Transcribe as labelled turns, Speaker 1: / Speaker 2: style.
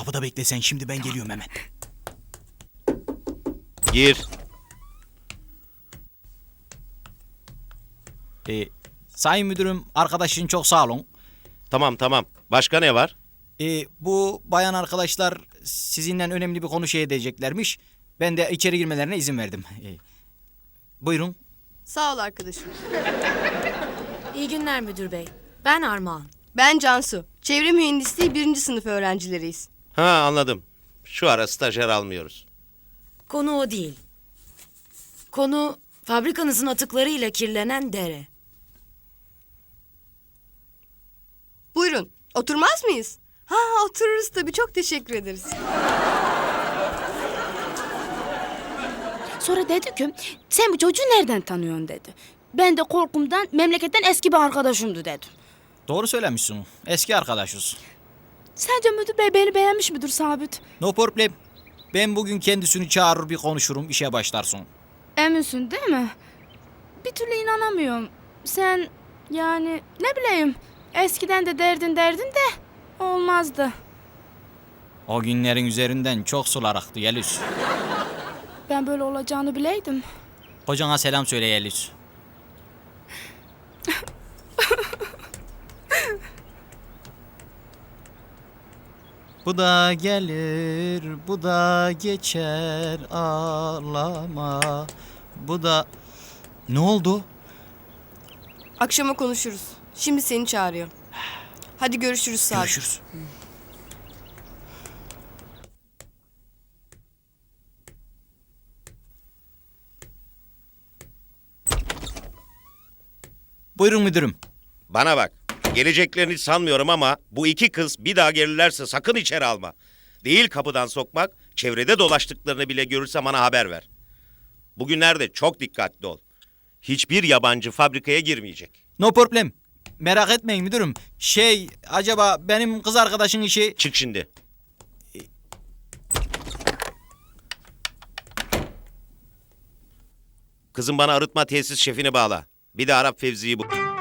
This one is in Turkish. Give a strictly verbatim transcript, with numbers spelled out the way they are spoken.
Speaker 1: Kapıda bekle sen, şimdi ben geliyorum hemen.
Speaker 2: Gir.
Speaker 1: Ee, sayın müdürüm, arkadaşın çok sağ olun.
Speaker 2: Tamam tamam. Başka ne var?
Speaker 1: Ee, bu bayan arkadaşlar sizinle önemli bir konu şey edeceklermiş. Ben de içeri girmelerine izin verdim. Ee, buyurun.
Speaker 3: Sağ ol arkadaşım.
Speaker 4: İyi günler müdür bey. Ben Armağan.
Speaker 3: Ben Cansu. Çevre mühendisliği birinci sınıf öğrencileriyiz.
Speaker 2: Ha anladım. Şu ara stajyer almıyoruz.
Speaker 4: Konu o değil. Konu fabrikanızın atıklarıyla kirlenen dere.
Speaker 3: Buyurun. Oturmaz mıyız? Ha otururuz tabii. Çok teşekkür ederiz.
Speaker 5: Sonra dedi ki sen bu çocuğu nereden tanıyorsun dedi. Ben de korkumdan memleketten eski bir arkadaşımdı dedim.
Speaker 1: Doğru söylemişsin. Eski arkadaşız.
Speaker 5: Sence müdür bey beni beğenmiş midir Sabit?
Speaker 1: No problem. Ben bugün kendisini çağırır bir konuşurum, işe başlarsın.
Speaker 5: Eminsin değil mi? Bir türlü inanamıyorum. Sen yani ne bileyim eskiden de derdin derdin de olmazdı.
Speaker 1: O günlerin üzerinden çok sular aktı Yeliz.
Speaker 5: Ben böyle olacağını bileydim.
Speaker 1: Kocana selam söyle Yeliz. Bu da gelir, bu da geçer, ağlama. Bu da... Ne oldu?
Speaker 3: Akşama konuşuruz. Şimdi seni çağırıyor. Hadi görüşürüz Sabit.
Speaker 1: Görüşürüz. Buyurun müdürüm.
Speaker 2: Bana bak. Geleceklerini hiç sanmıyorum ama bu iki kız bir daha gelirlerse sakın içeri alma. Değil kapıdan sokmak, çevrede dolaştıklarını bile görürse bana haber ver. Bugünlerde çok dikkatli ol. Hiçbir yabancı fabrikaya girmeyecek.
Speaker 1: No problem. Merak etmeyin müdürüm. Şey, acaba benim kız arkadaşın işi...
Speaker 2: Çık şimdi. Kızım bana arıtma tesis şefini bağla. Bir de Arap Fevzi'yi bul.